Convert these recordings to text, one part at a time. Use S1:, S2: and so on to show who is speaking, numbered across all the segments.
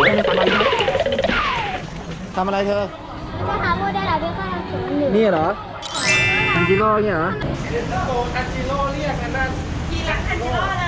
S1: ทำอะไรเธอ
S2: จะหาโมเดลอะไรก็ทำศูนย์หนึ่ง
S1: นี่เหรออันจิโร่เนี่ยเหรอ
S3: อันจิโร่เรียกกันนั่น
S4: กี่หลังอันจิโร่เลย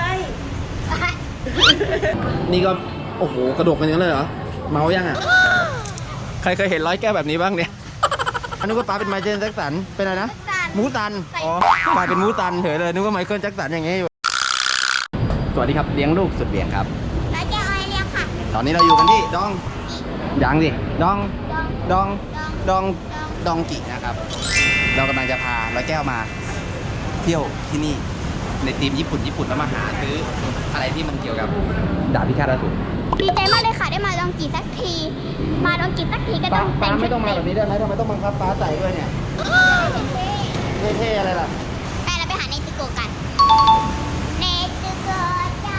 S1: นี่ก็โอ้โหกระโดดกันอย่างนั้นเลยเหรอเมายังอ่ะใครเคยเห็นร้อยแก้วแบบนี้บ้างเนี่ยนึกว่าป้าเป็นไมเคิลแจ็คสันเป็นอะไรนะมูตันอ๋อกลายเป็นมูตันเถอะเลยนึกว่าไมเคิลแจ็คสันอย่างงี้อยู่สวัสดีครับเลี้ยงลูกสุดเลี้ยงครับ
S2: แล้วจะเอาอะไรเรียกค่ะ
S1: ตอนนี้เราอยู่กันที่ดองยังสิดองดองดองดองกินะครับ เรากำลังจะพาร้อยแก้วมาเที่ยวที่นี่ในทีมญี่ปุ่นแล้วมาหาซื้ออะไรที่มันเกี่ยวกับดาบพิฆาตอสูร
S2: ดีใจมากเลยค่ะได้มาลองกีสักที มาลองกีสักทีก็ต้องแต่งชุด
S1: ไม่ต้องมาแบบนี้ได้ไหมทำไมต้องบังคับป้าใส่ด้วยเนี่ยเท่ๆอะไรล่ะ
S2: ไปเราไปหาในตึกโกกันในตึกโกจ้า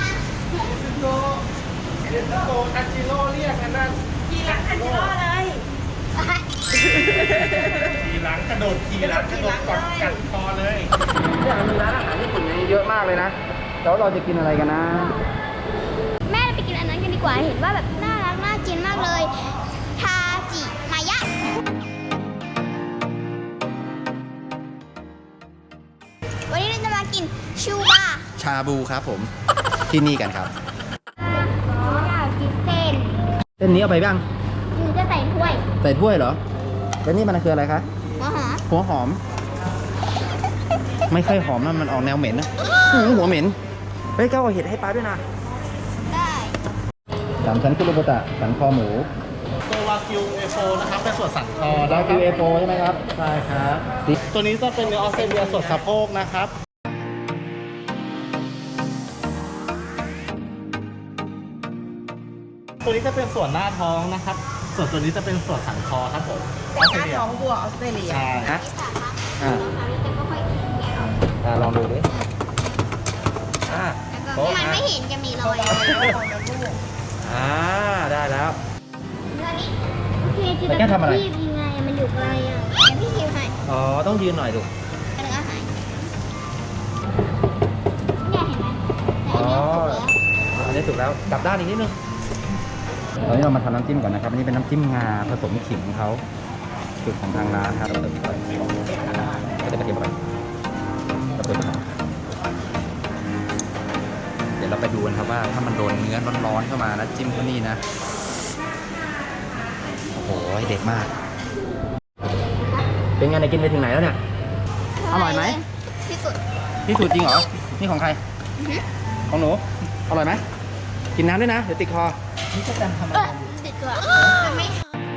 S3: อันจิโร่เรียกกันนั่น
S4: กี่หลังอันจิโร่เลย
S3: ขี่หลังกระโดดขี่หลังกระโดดกอดกัดคอเลย
S1: เนี่ยมีร้านอาหารญี่ปุ่นเยอะมากเลยนะแล้วเราจะกินอะไรกันนะ
S2: แม่เราไปกินอันนั้นกันดีกว่าเห็นว่าแบบน่ารักน่ากินมากเลยทาจิมายะวันนี้เราจะมากินชูบา
S1: ชาบูครับผมที่นี่กันครับ
S2: อยากกินเส้น
S1: เส้นนี้เอาไปบ้าง
S2: หนูจะใส่ถ้วย
S1: ใส่ถ้วยเหรอแล้วนี่มันคืออะไรคะ
S2: หัวหอม
S1: หัวหอม ไม่ค่อยหอมนะมันออกแนวเหม็นนะหัวเหม็นเฮ้ยเก้าเอาเห็ดให้ป้าด้วยนะ
S2: ได้
S1: สามชั้นคุโรบุตะสันคอหมู
S3: ตัววากิวเอโฟนะครับเป็นส่วนสันคอ
S1: ดา
S3: นะค
S1: คิ
S3: รั
S1: ว
S3: บ
S1: เอโฟใช่ไหมครับ
S3: ใช่ครับ ตัวนี้จะเป็นเนื้อออสเตรเลียส่วนสะโพกนะครับ ตัวนี้จะเป็นส่วนหน้าท้องนะครับ ส่วนตัวนี้จะเป็นส่วนสันคอครับผม
S4: แต่หน้าท้องวัวออสเตรเลีย
S3: ใช่
S1: ฮะ
S2: ที่สามครับ
S1: อ่า
S2: เราจะค่อยๆแกะออก
S1: ลองดูดิอ่า
S2: แล้วก็มันไม่เห็นจะมีรอย
S1: ได้แล้ว
S2: เรื่องนี้โอเคจิต
S1: แล้วแกทำอะไร
S2: พี่ยังไงมันอยู่ไกลอ่ะเดี๋ยวพี่ฮิวให้
S1: อ๋อต้องยืนหน่อยลูก
S2: เนื้อหายเนี่ยเห็นไหมแต่อันนี้ถูกแล้ว
S1: อันนี้ถูกแล้วกลับด้านอีกนิดนึงตอนนี้เรามาทำน้ำจิ้มก่อนนะครับอันนี้เป็นน้ำจิ้มงาผสมขิงของเขาสูตรของทางร้านครับเราเติมไปก็จะกระเทียมไปเราเติมไปเดี๋ยวเราไปดูกันครับว่าถ้ามันโดนเนื้อร้อนๆเข้ามานะจิ้มเขานี่นะโอ้โหเด็ดมาก เป็นไงเนี่ยกินไปถึงไหนแล้วเนี่ย อร่อยไหม
S2: ที่สุด
S1: นี่สูตรจริงเหรอ นี่ของใคร
S2: อือหือ
S1: ของหนู อร่อยไหม กินน้ำด้วยนะ เดี๋ยวติดคอ
S3: นี่จะทำอะไร
S2: ติดตัวมันไม่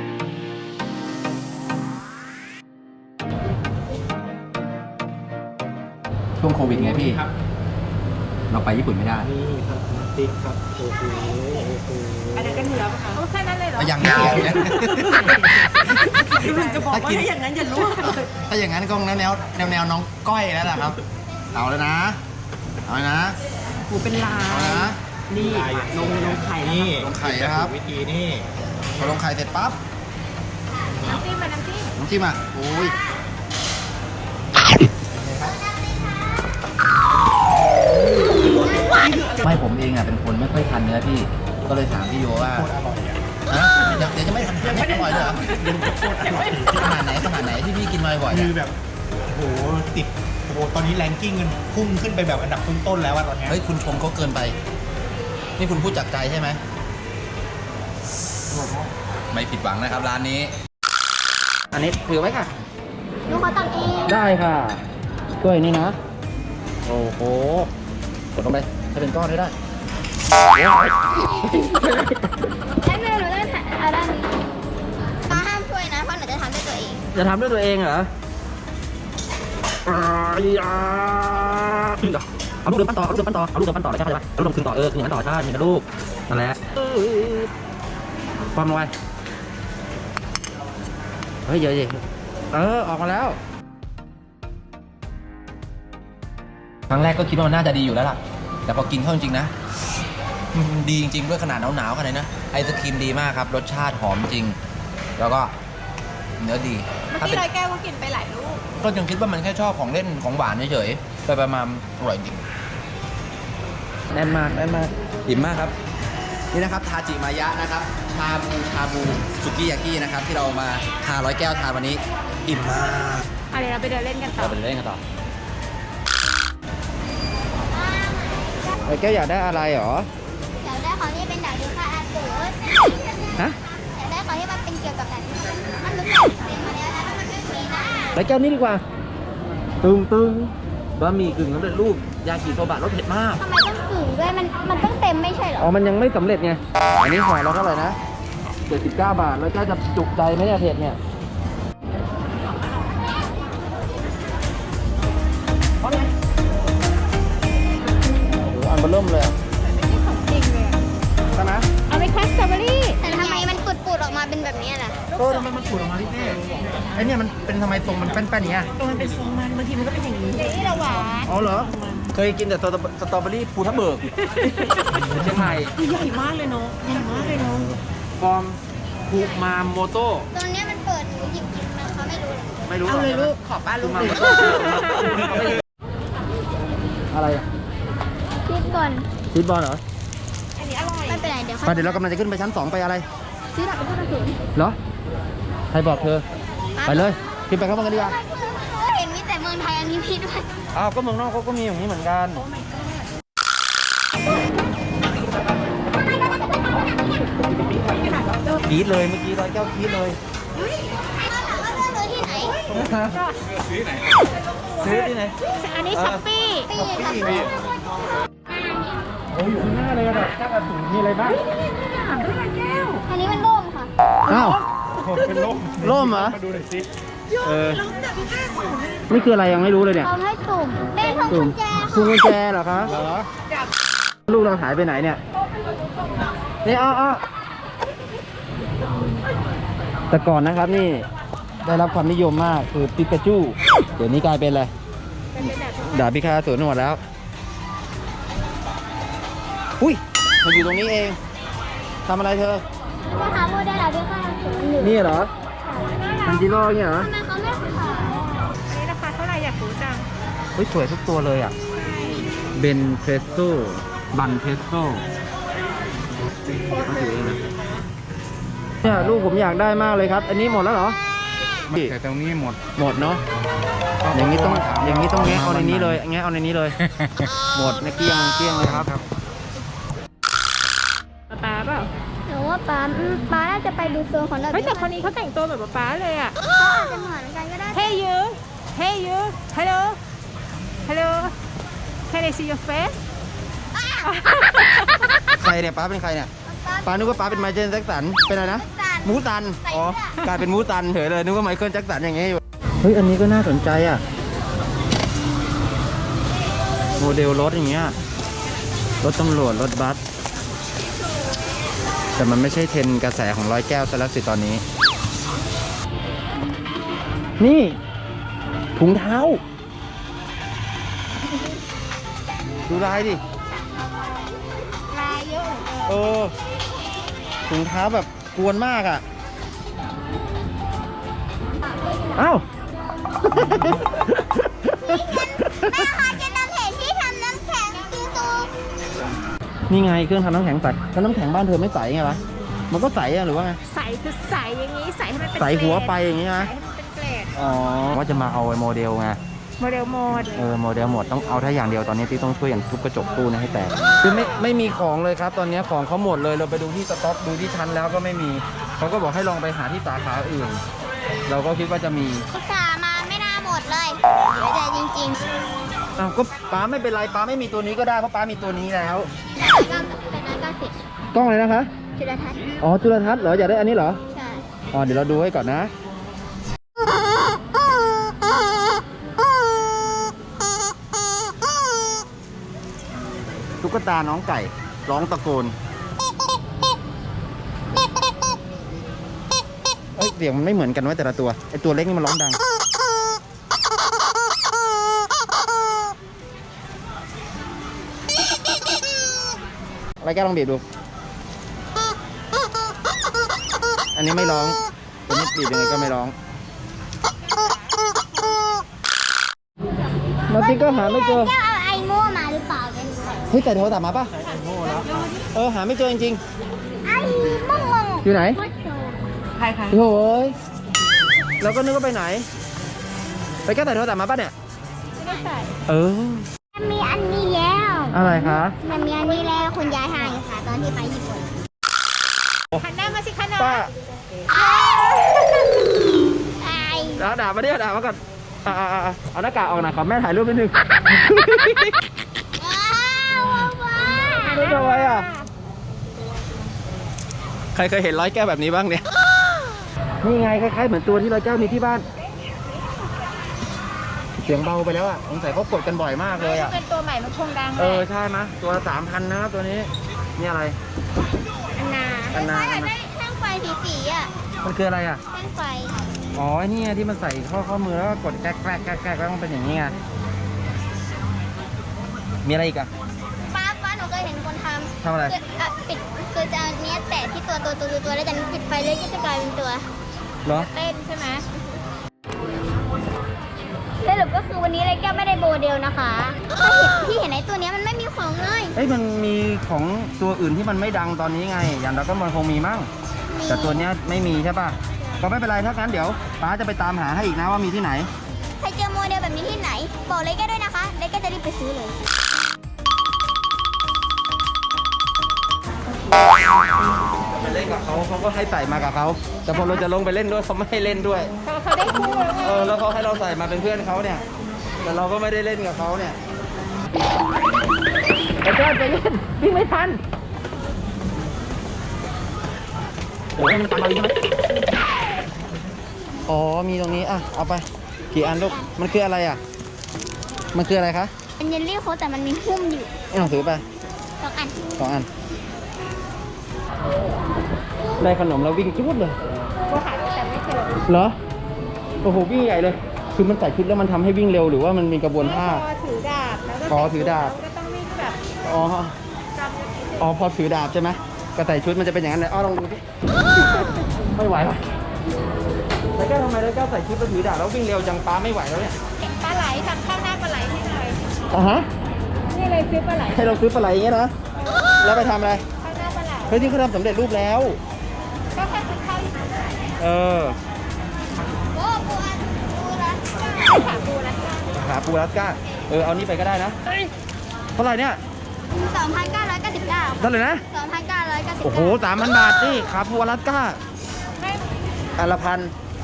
S1: ช่วงโควิดไงพี่
S3: ครับ
S1: เราไปญี่ปุ่นไม่ได้
S3: นี่ครับน้ำติ๊กครับโอ้โหโอ้โห
S4: อันนั้นก็เหนือปะคะโอ้แค่นั้นเลยเหรอ
S1: ยังไม่กินนะ
S4: มันจะบอกว่าถ้าอย่างนั้นอย่ารู้เลย
S1: ถ้าอย่างนั้นก็แนวน้องก้อยแล้วล่ะครับ เอาแล้วนะ เอาเลยนะ
S4: หูเป็นลา
S1: เอา
S4: ย
S1: นะ
S4: นี่นมไข่แล้ว
S3: นี่
S1: ลงไข่นะครับ
S3: วิธีนี่
S1: พอลงไข่เสร็จปั๊บ
S4: น้ำจิ้มเป็นน้ำจิ้ม
S1: น้ำจิ้มอ่ะโอ้ยไม่ผมเองอ่ะเป็นคนไม่ค่อยทานเนื้อพี่ ก็เลยถามพี่โยว่า
S3: โคตรอร่อยอ่ะ
S1: ฮะเดี๋ยวจะไม่ทานไม่อร่อยเลยเหรอ
S3: โคตรอร่อย
S1: ขนาดไหนที่พี่กินมาบ่อยๆ
S3: คื
S1: อะ
S3: อแบบโอ้โหติดโอ้โหตอนนี้แรงกิ้งมันพุ่งขึ้นไปแบบอันดับต้นๆแล้วอะตอนเนี้ย
S1: เฮ้ยคุณชมเขาเกินไป นี่คุณพูดจากใจใช่ไหม ไม่ผิดหวังนะครับร้านนี้ อันนี้ถือไว้ค่ะ
S2: หนูขอตักเอง
S1: ได้ค่ะช่วยนี่นะ โอ้โห กดลงไปให้เป็นก้อนได้
S2: แล้วแม่หนูต้องเอาด้านนี้ป้าห้ามช่วยนะเพราะหนูจะทำด้วยตัวเอง
S1: จะทำด้วยตัวเองเหรอเอาลูกเดินปั้นต่อ เอาลูกเดินปั้นต่อ เอาลูกเดินปั้นต่อใช่ไหมเอาลูกเดินคืนต่อคืนอย่างนั้นต่อใช่มีนะลูก นั่นแหละความลงไปเฮ้ยเยอะๆออกมาแล้ว ครั้งแรกก็คิดว่ามันน่าจะดีอยู่แล้วล่ะ แต่พอกินเข้าจริงๆนะมันดีจริงๆด้วยขนาดหนาวๆขนาดนี้นะไอศครีมดีมากครับ รสชาติหอมจริง แล้วก็เนื้อดี
S4: เมื่อ
S1: ถ้า
S4: กี้
S1: เป็น
S4: ร้อยแก้วก็กินไปหลายลูก
S1: ก็ยังคิดว่ามันแค่ชอบของเล่นของหวานเฉยๆไปประมาณอร่อยจริงแน่นมากอิ่มมากครับนี่นะครับทาจิมายะนะครับชาบูสุกี้ยากินะครับที่เรามาทา100 แก้วทานวันนี้อิ่มมาก
S4: เดี๋ยวเราไปเดินเล่นกันต่อ
S1: เราไปเล่นกันต่อ100 แก้วอยากได้อะไรหรอ
S2: อยากได้ของที่เป็นดาบพิฆาตอสูร
S1: ฮะ
S2: อยากได้ของที่มันเป็นเกี่ยวกับแบบนี้มันรู้สึกเต็มมาแล้วนะมันไม่มีนะ
S1: 100 แก้วนี้ดีกว่าตึงบะหมี่กึ่งสำเร็จรูปยากิโซบะรสเผ็ดมาก
S2: ทำไมต้องกึ่งด้วยมันต้องเต็มไม่ใช่เหรอ
S1: อ๋อมันยังไม่สำเร็จไงอันนี้ห่อเราเท่าไหร่นะ79 บาท100 แก้วจะจุใจไหมเนี่ยเผ็ดเนี่ยโอ้โหอันเบอร์เริ่มเลยอ่ะ
S4: ของจริงเลยอะ
S1: ใช่ไหม
S4: เอาไปคัสสตรอเบอรี่
S2: แต่ทำไมมันปูดๆออกมาเป็นแบบนี้ล่ะ
S1: ทำไมมันขูดออกมาที่นี่ไอเนี่ยมันเป็นทำไมทรงมันแป้นๆอย่างเงี้ย
S4: ตัวมันเป็นทรงมันบางทีมันก็เป็นอย่างนี้นี่เราหวาน
S1: อ๋อเหรอ เคยกินแต่สตรอเบอรี่ภูทับเบิกเชียงใหม่
S4: ใหญ่มากเลยเนาะใหญ่มากเลยเนาะ
S1: ฟอร์มคูมาโมโต้
S2: ตรงเนี้ยมันเปิดหนูหยิบมันเขาไม่รู้เลย
S1: ไม่รู้
S4: เอาเลยลูกขอป้าลูก
S1: มา
S4: หนึ่
S1: โม
S4: ง
S1: โต้อะไรอ่ะ
S2: คิดก่อน
S1: ชีสบอลเหรอ
S4: อันนี้อร่อย
S2: ไม่เป็นไรเดี๋ยว
S1: ไปเดี๋ยวเรากำลังจะขึ้นไปชั้น 2 ไปอะไร
S2: ซื้อดาบพิฆาตอสูร
S1: เหรอ ใครบอกเธอ ไปเลย ขึ้นไปข้างบนกันดีกว่า
S2: เห็นมีแต่เมืองไทยอันนี้พี่ด้วย
S1: อ้าว ก็เมืองนอกเขาก็มีอย่างนี้เหมือนกัน กรี๊ดเลยเมื่อกี้100 แก้วกรี๊ดเลย
S2: ว่าเลือกเลยที่ไหน
S1: ซื้อที่ไหน
S4: อันนี้ช้อปปี้
S2: ปีกับปี
S1: โอ้อยู่ข้างหน้าเลยอะแบบแก้วอสูรมีอะไรบ้าง
S2: อันนี้มันโล่งค่ะ
S1: อ้าว
S3: เป็นลม
S1: ร่มเหรอ
S3: มาดูหน่อยสิ
S1: เออนี่คืออะไรยังไม่รู้เลยเนี่ย
S2: เขาให้สุ่มเป็นของกุญแจ
S1: คุ
S2: ค่ะ
S1: ณกุญแจเหรอคะ
S3: เหรอ
S1: ลูกเราหายไปไหนเนี่ย นี่อ้อแต่ก่อนนะครับนี่ได้รับความนิยมมากคือปิกาจู เดี๋ยวนี้กลายเป็นอะไรดาบพิฆาตอสูรหมดแล้ว อุ้ยมันอยู่ตรงนี้เองทำอะไรเธอ
S2: จะหาโมเดลดาบพิฆาตอสูรอยู่
S1: นี่เหรอทันจิโร่เนี่ยเหรอ
S2: ทำไมเขาไม่ขาย
S4: อันนี้ราคาเท่าไหร่อยากรู้จัง
S1: เฮ้ยสวยทุกตัวเลยอ่ะ เบนเพรสโซ่บันเพรสโซ่เขาถือเองนะเนี่ยลูกผมอยากได้มากเลยครับ อันนี้หมดแล้วเหรอ
S3: แต่ตรงนี้หมด
S1: หมดเนาะ อย่างนี้ต้องแงะเอาในนี้เลยแงะเอาในนี้เลย หมดนะเกลี้ยงเลยครับ
S4: ป๊าเปล่า
S2: หนูว่าป้าน่าจะไปดูโซนของดาบ
S4: เฮ้ย
S2: พิ
S4: แต่
S2: ฆาต
S4: คนนี้เขาแต่งตัวแบบป๊าเลยอ่ะ
S2: เขาอาจจะเหมือนกันก็ได้
S4: Hey you Hey you Hello Hello Can I see your face
S1: ใครเนี่ยป้าเป็นใครเนี่ยป้านึกว่าป้าเป็นไมเคิลแจ็คสันเป็นอะไรนะมูตันอ๋อกลายเป็นมูตันเฉยเลยนึกว่าไมเคิลแจ็คสันอย่างเงี้ยอยู่เฮ้ยอันนี้ก็น่าสนใจอ่ะโมเดลรถอย่างเงี้ยรถตำรวจรถบัสแต่มันไม่ใช่เทรนด์กระแสของ100 แก้วซะแล้วสิตอนนี้ นี่ถุงเท้า ดูลายดิ
S4: ลายเยอะเหลือเกิน
S1: เออถุงเท้าแบบกวนมากอ่ะ เอ้า
S2: แม่คะจะนำเพจที่ทำน้ำแข็งซีซู
S1: นี่ไงเครื่องทำน้ำแข็งใสแล้วน้ำแข็งบ้านเธอไม่ใสไงวะ มันก็ใสอะหรือว่าไง
S4: ใสคือใสอย่างนี้ใสให้มันเป็น
S1: ใสหัวไปอย่างนี้
S4: ใส
S1: นะ
S4: ให้มันเป็นเกรด
S1: อ๋อ ว่าจะมาเอาไอ้โมเดลไง
S4: โมเดลโหมด
S1: โมเดลหมดต้องเอาถ้าอย่างเดียวตอนนี้ที่ต้องช่วยอย่างทุบกระจกตู้นี้ให้แตก คือไม่มีของเลยครับ ตอนนี้ของเขาหมดเลย เราไปดูที่สต็อกดูที่ชั้นแล้วก็ไม่มี เขาก็บอกให้ลองไปหาที่สาขาอื่น เราก็คิดว่าจะมี
S2: อุตส่าห์มาไม่น่าหมดเลยเสียใจจริงๆ
S1: อ้าวก็ป้าไม่เป็นไรป้าไม่มีตัวนี้ก็ได้เพราะป้ามีตัวนี้แล้ว
S2: แต่เป็นร้านกราฟิก
S1: กล้องเลยนะคะ
S2: จุลทรรศน์
S1: อ๋อจุลทรรศน์เหรออยากได้อันนี้เหรอ
S2: ใช่
S1: อ๋อเดี๋ยวเราดูให้ก่อนนะ ตุ๊กตาน้องไก่ร้องตะโกนเอ้ยเสียงมันไม่เหมือนกันไว้แต่ละตัวไอตัวเล็กนี่มันร้องดังอะไรแกลองบีบดู อันนี้ไม่ร้องตัวนี้บีบยังไงก็ไม่ร้องมาติ๊กก็หาไม่เจอ
S2: แก้วเอาไอโม่มาหรือเปล่ากัน
S1: เฮ้ยแต่โทรศัพท์มาป่ะหาไม่เจอจริง
S2: ไอ้ม่วง
S1: ๆอยู่ไหน
S4: ใคร
S1: โอ้ยเราก็นึกว่าไปไหน ไปแก้แต่โทรศัพท์มาป่ะเนี่ย
S4: ไม่ได้ใส่
S2: มันมีอันนี้แล้ว
S1: อะไรคะ
S2: มันมีอันนี้แล้วคุณยายให้ค่ะตอนที่ไปญี่ปุ่น
S4: หันหน้ามาสิคะน้อง
S1: ป้า
S2: ไอ้
S1: ด่ามาดิด่ามาก่อนเอาหน้ากากออกหน่อยขอแม่ถ่ายรูปนิดนึง ไม่ทำไมอ่ะ ใครเคยเห็นร้อยแก้วแบบนี้บ้างเนี่ย นี่ไงคล้ายๆเหมือนตัวที่ร้อยแก้วมีที่บ้าน เสียงเบาไปแล้วอ่ะสงสัยเขากดกันบ่อยมากเลยอ่ะ
S4: เป็นตัวใหม่มันคงดัง
S1: ใช่ไหมตัวละ3,000นะครับตัวนี้ นี่อะไร
S2: อันนาได้แท่งไฟสีๆอ่ะ
S1: มันคืออะไรอ่ะ
S2: แท่งไฟ
S1: อ๋อไอ้นี่ไงที่มันใส่ข้อมือแล้วก็กดแกล้กแล้วมันเป็นอย่างนี้ไง มีอะไรอีกอ่ะ
S2: ป้าหนูเคยเห็นคนทำ
S1: ทำอะไร
S2: ปิดคือจะเอาเนี้ยแตะที่ตัวแล้วจากนั้นปิดไฟเลยก็จะกลายเป็นตัว
S1: เหรอ
S4: เต้นใช่ไหม
S2: สรุปก็คือวันนี้เลยแก้วไม่ได้โบเดลนะคะที่เห็นไอ้ตัวเนี้ยมันไม่มีของเลย
S1: มันมีของตัวอื่นที่มันไม่ดังตอนนี้ไง อย่างเราก็มันคงมีมั่ง แต่ตัวเนี้ยไม่มีใช่ป่ะ ก็ไม่เป็นไรถ้างั้นเดี๋ยวป้าจะไปตามหาให้อีกนะว่ามีที่ไหน
S2: ใครเจอโมเดลแบบนี้ที่ไหนบอกเลยแก้วด้วยนะคะเลยแก้วจะรีบไปซื้อเลย
S1: ไปเล่นกับเขาก็ให้ใส่มากับเขา แต่พอเราจะลงไปเล่นด้วยเขาไม่ให้เล่นด้วย
S4: เขาได้คู่แล้วไง
S1: แล้วเขาให้เราใส่มาเป็นเพื่อนเขาเนี่ย แต่เราก็ไม่ได้เล่นกับเขาเนี่ยไปเล่นวิ่งไม่ทันโอ้ยมันตามมาอีกใช่ไหมอ๋อมีตรงนี้อ่ะเอาไปกี่อันลูกมันคืออะไรอ่ะมันคืออะไรคะ
S2: เป็นเยลลี่โค้ดแต่มันมีหุ้มอยู่
S1: ไม่ต้องถือไป
S2: 2 อัน
S1: 2 อันได้ขนมแล้ววิ่งจุดเลย
S4: ก็หาแต่ไม่เจอ
S1: เหรอโอ้โหวิ่งใหญ่เลย คือมันใส่ชุดแล้วมันทำให้วิ่งเร็วหรือว่ามันมีกระบวนท่า
S4: พอถือดาบแล้วก็
S1: พอถือดาบ
S4: แล้วก็ต้องวิ่งแบบ
S1: อ๋อ
S4: จำกัน
S1: อ๋อพอถือดาบใช่ไหมก็ใส่ชุดมันจะเป็นอย่างนั้นเลยอ้อลองดูสิ ไม่ไหวว่ะแล้วก็ทำไมแล้วก็ใส่ชุดแล้วถือดาบแล้ววิ่งเร็วจังป้าไม่ไหวแล้วเนี่ย
S4: ปลาไหลทำข้าวหน้าปลาไหลให้หน่อย
S1: ฮะ
S4: นี่เลยซื้อปลาไหล
S1: ให้เราซื้อปลาไหลอย่างเงี้ยนะแล้วไปทำอะไร
S4: ข้าวหน้าปลาไหล
S1: เฮ้ยที่เขาทำสำเร็จรูปแล้ว
S4: ก็แค่ซื้อข้าวที่
S1: เออ
S2: โอ้ปูอันปูละ
S4: ขาปูแล้วกัน
S1: หาปูรัสก้าเอานี่ไปก็ได้นะเท่าไหร่เนี่ย
S2: 2,999
S1: เท่าไหร่นะ
S2: 2,999
S1: โอ้โห3,000 บาทนี่ขาปูรัสก้า
S4: ไม่
S1: อันละพัน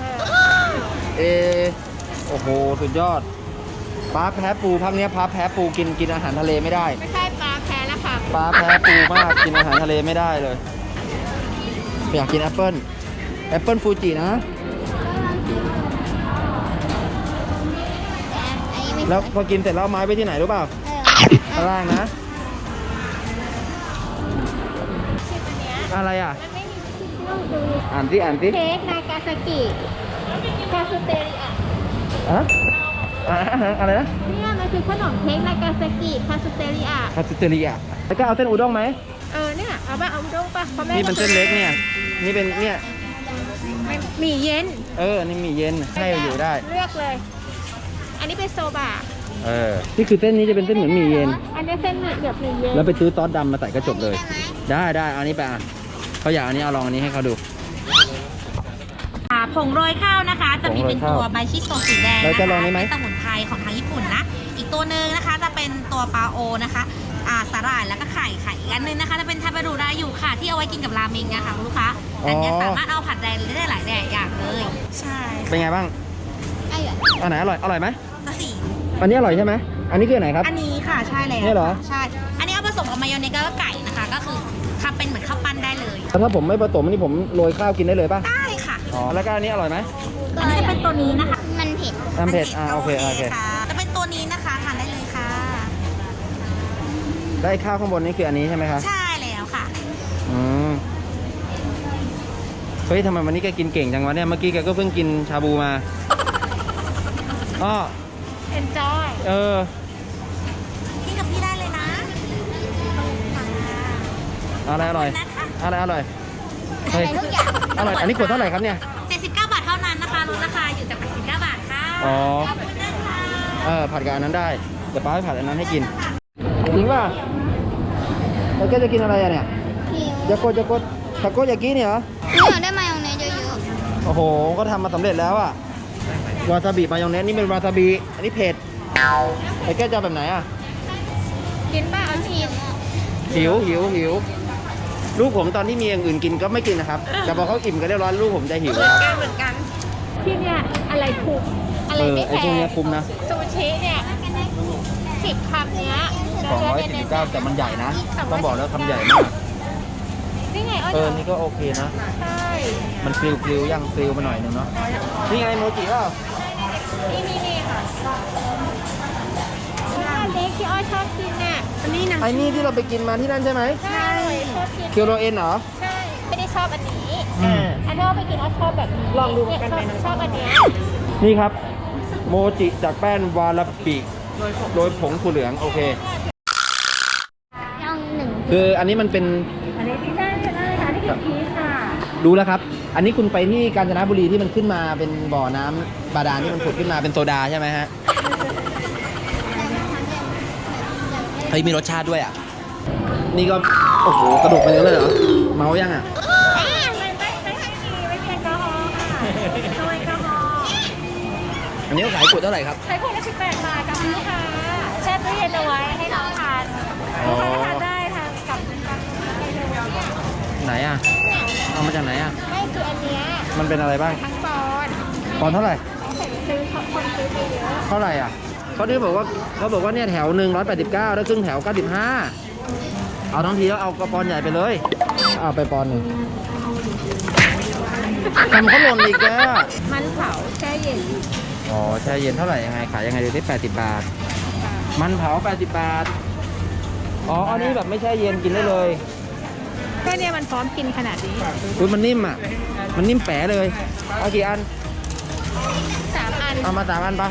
S1: โอ้โหสุดยอดป้าแพ้ปูพักเนี้ยป้าแพ้ปูกินอาหารทะเลไม่ได้
S4: ไม่ใช่ปลาแพ้แล้วค่ะ
S1: ป้าแพ้ปูมากกินอาหารทะเลไม่ได้เลยอยากกินแอปเปิ้ลฟูจินะ แล้วพอกินเสร็จแล้วเอาไม้ไปที่ไหนรู้เปล่าข้างล่างนะ อะไรอ่ะ
S4: มันไม่มีชื่อดู
S1: อ่านสิ
S4: เค้กนากาซากิคาสเตริอะ
S1: อะไรนะ
S4: เนี่ยมันคือขนมเค้กนากาซากิคาสเตริอะ
S1: คาสเตอรีอ่ะแล้วก็เอาเส้นอุด้งไหม
S4: เนี่ยเอาป่ะเอาด้งป่ะเพราะแม่
S1: นี่เป็นเส้นเล็กเนี่ย นี่เป็นเนี่ย
S4: หมี่เย็น
S1: นี่มีเย็นให้อยู่ได้
S4: เลือกเลย อันนี้เป็นโซบะ
S1: นี่คือเส้นนี้จะเป็นเส้นเหมือนหมี่เย็น
S4: อันนี้เส้นเหลือบหมี่เย็น
S1: แล้วไปซื้อซอสดำมาใส่ก็จบเลย ได้เอาอันนี้ไปอ่ะเขาอยากอันนี้เอาลองอันนี้ให้เขาดู
S5: ผงโรยข้าวนะคะ จะมีเป็นตัว
S1: ผงโรยข้าว
S5: ใบชิโซสีแดง
S1: แล้ว
S5: นะ
S1: จะ
S5: คะ
S1: ลองนี้ไหม
S5: เป็นสมุนไพรของทางญี่ปุ่นนะ อีกตัวหนึ่งนะคะจะเป็นตัวปลาโอนะคะสาหร่ายแล้วก็ไข่อีกอันหนึงนะคะจะเป็นทาเบรุราอยู่ค่ะที่เอาไว้กินกับราเมงนะคะคุณลูกค้าอันเนี้ยสามารถเอาผัดแดงได้หลายอย่างเลย ใช่
S1: เป็นไงบ้าง
S2: ไอ้เหรอ
S1: อันไหนอร่อยไหม
S5: ตัวสี
S1: อันนี้อร่อยใช่ไหมอันนี้คืออนไหนครับ
S5: อันนี้ค่ะใช่แล้ว
S1: เนี่ยเหรอ
S5: ใช่ อันนี้เอาผสมกับมายองเนสแล้วก็ไก่นะคะ ก็คือทำเป็นเหมือนข้าวปั้นได้เลย
S1: แล้วถ้าผมไม่ผสมอันนี้ผมโรยข้าวกินได้เลยป่ะ
S5: ได้ค่ะ
S1: อ๋อแล้วก็อันนี้อร่อยไหม
S5: อันนี้จะเป็นตัวนี้นะคะ
S2: มันเผ็ด
S1: น้ำเผ็ดโอเค
S5: ค่ะจะเป็นตัวนี้นะคะทานได้เลยค่ะ
S1: แล้วไอ้ข้าวข้างบนนี่คืออันนี้ใช่ไหมครับ
S5: ใช่แล้วค่ะ
S1: เฮ้ยทำไมวันนี้แกกินเก่งจังวะเนี่ย เมื่อกี้แกก็เพิ่งกินชาบูมาอ้อ
S4: enjoy
S5: กินกับพี่ได้เลยนะ
S1: อะไรอร่อย
S5: นะคะ
S1: อะไรอร่อย
S2: อะ
S1: เฮ้ย
S2: ไรทุกอย่าง
S1: อร่อยอันนี้ขวดเท่าไหร่ครับเนี่ย
S5: 79 บาทเท่านั้นนะคะลดราคาอยู่จาก89 บาทค่ะ
S1: อ๋อ
S5: ขอบคุณนะคะ
S1: ผัดกับอันนั้นได้เดี๋ยวป้าไปผัดอันนั้นให้กินจริงป่ะแล้วแกจะกินอะไรอะเนี่ยอย่ากดอย่ากดทาโกยากิเนี่ยเหรอ
S2: หนูอยากได้มายองเนสเยอะ
S1: โอ้โห ก็ทำมาสำเร็จแล้วอะวาซาบิมายองเนสนี่เป็นวาซาบิ อันนี้เผ็ดไอ้แก้วจะเอาแบบไหนอะ
S4: กินป่ะ
S2: ๆเอาชิมอ่ะ
S1: หิว ลูกผมตอนที่มีอย่างอื่นกินก็ไม่กินนะครับ แต่พอเขาอิ่มกันเรียบร้อยลูกผมจะหิวครับ
S4: เหมือนกัน ที่เนี่ยอะไรถูกอะไรไม่
S1: ไอ้
S4: แพ
S1: พวก
S4: ง
S1: เนี้ยคุ้มนะ
S4: ซูชิเนี่ย10 คำเนี้ย
S1: 249แต่มันใหญ่นะ ต้องบอกแล้วคำใหญ่มาก
S4: นี่ไงอ้อย
S1: นี่ก็โอเคนะ
S4: ใช่
S1: มันกริวย่างกริวมาหน่อยนึงเนาะ นี่ไงโมจิเปล่า
S4: นี่ค่ะอันเล็กที่อ้อยชอบกินน่ะอันนี้นะ
S1: ไอ้นี่ที่เราไปกินมาที่นั่นใช่ไหม
S4: ใช่ชอบกิน
S1: เคียวโรเอ็นเหรอ
S4: ใช่ ไม่ได้ชอบอันนี้อันที่อ้อยไปกินอ้อยชอบแบบนี้ลองดูกันไปชอบอันเนี้ย
S1: นี่ครับ โมจิจากแป้นวาราบิโดยผงถั่วเหลืองโอเค
S2: ยองหนึ่ง
S1: คืออันนี้มันเป็น
S4: อันนี้ที่ได้เลยค่ะที่เป็นพีชค่ะ
S1: ดูแล้วครับ อันนี้คุณไปที่กาญจนบุรีที่มันขึ้นมาเป็นบ่อน้ำบาดาลที่มันผุดขึ้นมาเป็นโซดาใช่ไหมฮะเฮ้ยมีรสชาติด้วยอ่ะ นี่ก็ โอ้โห กระดกไปเยอะเลยเหรอ เมายังอ่ะ
S4: ไม่มีแอลกอฮอล์ค่ะโดยแอลกอฮอล์
S1: อันนี้ขายขวดเท่าไหร่ครับ
S4: ใช้ขวดละ18 บาทกับลูกค้าแช่ตู้เย็นเอาไว้ให้น้องทานลูกค้าทานได้ทานกับเมนูเนี่ย
S1: ไหนอ่ะ เอามาจากไหนอ่ะ
S4: ไม่คืออันเนี้ย
S1: มันเป็นอะไรบ้าง
S4: ทั้งปอน
S1: ปอนด์เท่าไหร่
S4: ซื้อคนซื้อไปเยอะ
S1: เท่าไหร่อ่ะเขาบอกว่าเนี่ยแถวหนึ่ง189แล้วครึ่งแถว95เอาทั้งทีแล้วเอากระปอนใหญ่ไปเลย เอาไปปอนหนึ่งทำเขาหล่นอีกแล้ว
S4: มันเผาแช่เย็น
S1: อ๋อแช่เย็นเท่าไหร่ยังไงขายยังไงดูที่80 บาท มันเผา80 บาท อ๋ออันนี้แบบไม่แช่เย็นกินได้เลย
S4: แค่เนี้ยมันพร้อมกินขนาดนี้
S1: คุณมันนิ่มอ่ะ มันนิ่มแป๋เลย เอากี่อัน
S4: 3 อัน
S1: เอามา3 อันปะ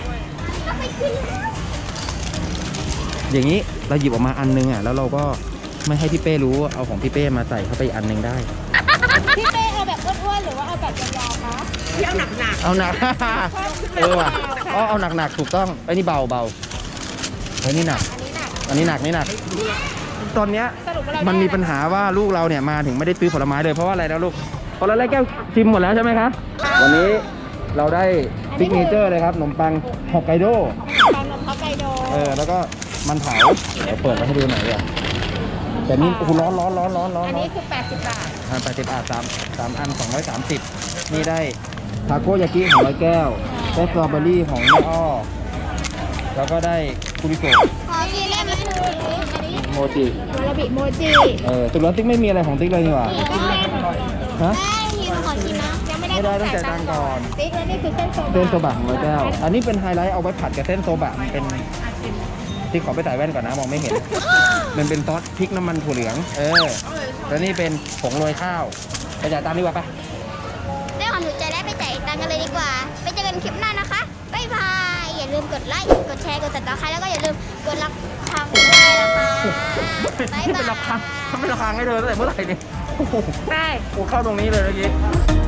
S1: อย่างนี้เราหยิบออกมาอันนึงอ่ะแล้วเราก็ไม่ให้พี่เป้รู้เอาของพี่เป้มาใส่เข้าไปอีกอันนึงได้
S4: พี่เป้เอาแบบอ้วนๆหรือว่าเอาแบบยาวๆคะที่เอาหนัก
S1: เอาหนัก ว่ะเอาหนักถูกต้องไอ้นี่เบาไอ้นี่หนัก
S4: ๆ
S1: อันนี้หนักตอนเนี้ย
S4: สรุปว่าเรา
S1: มันมีปัญหาว่าลูกเราเนี่ยมาถึงไม่ได้ซื้อผลไม้เลยเพราะว่าอะไรนะลูกพอเราไล่แก้วชิมหมดแล้วใช่ไหมคะวันนี้เราได้ซิกเนเจอร์เลยครับขนมปังฮอกไกโด
S4: ขนมฮอกไกโด
S1: แล้วก็มันเผาเดี๋ยวเปิดมาให้ดูหน่อยดีกว่าแต่นี่โอ้โหร้อน
S4: อันนี้คือ80 บาท
S1: 80 บาท3อัน230นี่ได้ทาโกยากิของร้อยแก้วได้สตรอเบอรี่ของแม่อ้อแล้วก็ได้คุริโกะ
S2: ขอกินได้ไหมอันนี้
S1: โมจิ
S4: วาราบิโมจิ
S1: ตุลติ๊กไม่มีอะไรของติ๊กเลยนี่หว่า
S2: ก็เส้น
S1: ฮะ
S2: ได้ทีมขอชิมนะ
S4: ยังไม่ได้
S1: ไม่ได้ต้องจ่ายตังค์ก่อน
S4: ติ๊กแล้วนี่คือเส้นโซบะ
S1: เส้นโซบะของร้อยแก้วอันนี้เป็นไฮไลท์เอาไว้ผัดกับเส้นโซบะมันเป็นที่ขอไปใส่แว่นก่อนนะมองไม่เห็น มันเป็นซอสพริกน้ำมันถั่วเหลืองแล้วนี่เป็นผงโรยข้าวไปจ่ายตังค์ดีกว่าปะ
S2: ได้ความถูกใจได้ไปจ่ายตังค์กันเลยดีกว่า ไปเจอกันคลิปหน้านะคะ บ๊ายบาย อย่าลืมกดไลค์ กดแชร์ กดติดตามใครแล้วก็อย่าลืมกดรับคำด้วยนะคะบ๊ายบาย
S1: เป็นราคาทำเป็นราคาให้เลยตั้งแต่เมื่อไหร่เนี่ยโอ้โห
S4: ใช่
S1: เข้าตรงนี้เลยเมื่อกี้